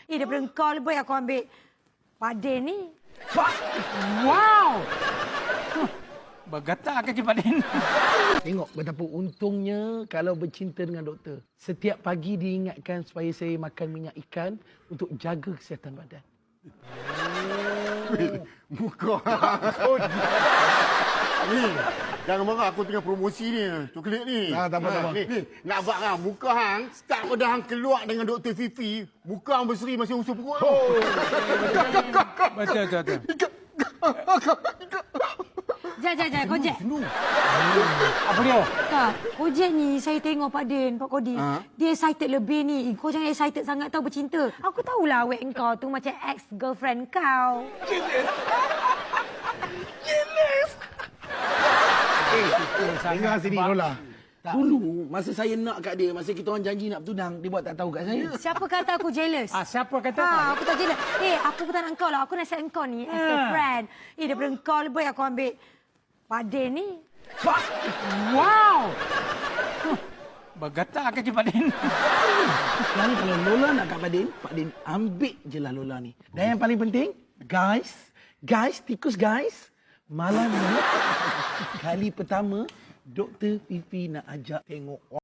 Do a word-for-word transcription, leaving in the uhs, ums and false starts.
Eh, daripada kau lebih aku ambil Pak Din ni. Wow! Bergetar kaki Pak Din. Tengok betapa untungnya kalau bercinta dengan doktor. Setiap pagi diingatkan supaya saya makan minyak ikan untuk jaga kesihatan badan. Oh. Muka hang. Ni, jangan marah aku tengah promosi ni. Coklat ni. Ah, tak apa, tak apa. Ni, ni, nak buat hang. Muka hang, start pada hang keluar dengan Doktor Fifi, muka hang berseri masih usul perut. Oh. Betul, betul, betul. Jap, jap, jap. Kojek. Apa dia? Tak, Kojek ni saya tengok Pak Din, Pak Kodi. Ha? Dia excited lebih ni. Kau jangan excited sangat tau bercinta. Aku tahulah awet kau tu macam ex-girlfriend kau. Dengar sini, Lola. Dulu, masa saya nak kat dia, masa kita orang janji nak bertunang, dia buat tak tahu kat saya. Siapa kata aku jealous? Ah, siapa kata? Ha, aku tak jealous. Eh, aku bukan nak kau lah. Aku nasihat kau ni as a Ha. friend. Eh, daripada kau lebih aku ambil Pak Din ni. Wow! Bergetar kaki Pak Din. Sekarang ni kalau Lola nak kat Pak Din, Pak Din ambil je lah Lola ni. Dan yang paling penting, guys, guys, tikus guys, malam ni, kali pertama, Doktor Fifi nak ajak tengok